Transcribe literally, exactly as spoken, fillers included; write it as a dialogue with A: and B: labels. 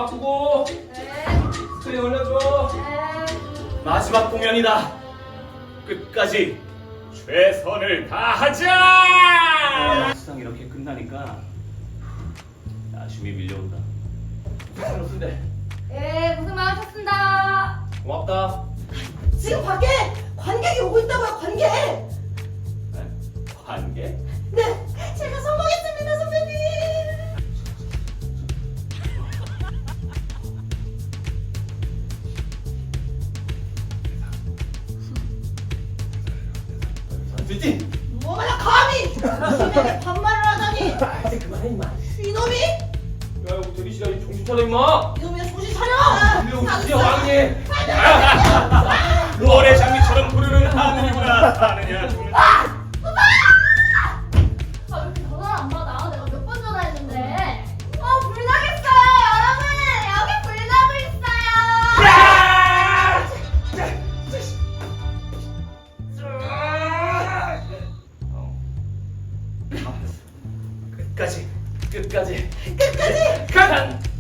A: 바꾸고
B: 네.
A: 스크린 올려줘.
B: 네.
C: 마지막 공연이다. 끝까지 최선을 다하자. 막상 이렇게 끝나니까 아쉬움이 밀려온다.
A: 그렇던데.
B: 네, 고생 많으셨습니다.
A: 고맙다.
D: 지금 밖에 관객이 오고 있다고요, 관객!
C: 네? 관계?
D: 네, 제가 성공했습니다, 선배님!
A: 됐지?
D: 뭐가냐, 감히! 신에게 반말을 하다니!
A: 아, 이제 그만해 임마.
D: 이놈이!
A: 야, 이거 대기 시간이 정신 차려 임마.
D: 이놈이야, 정신 차려!
A: 이놈 진짜 왕이네.
C: 노래 장미처럼 부르는 하늘이구나. 하느냐 죽느냐.
B: 아, 왜 이렇게 전화를 안 받아? 내가 몇 번 전화했는데. 어, 불 나겠어요, 여러분. 여기 불 나고 있어요.
C: 끝까지 끝까지
D: 끝까지!
C: 가단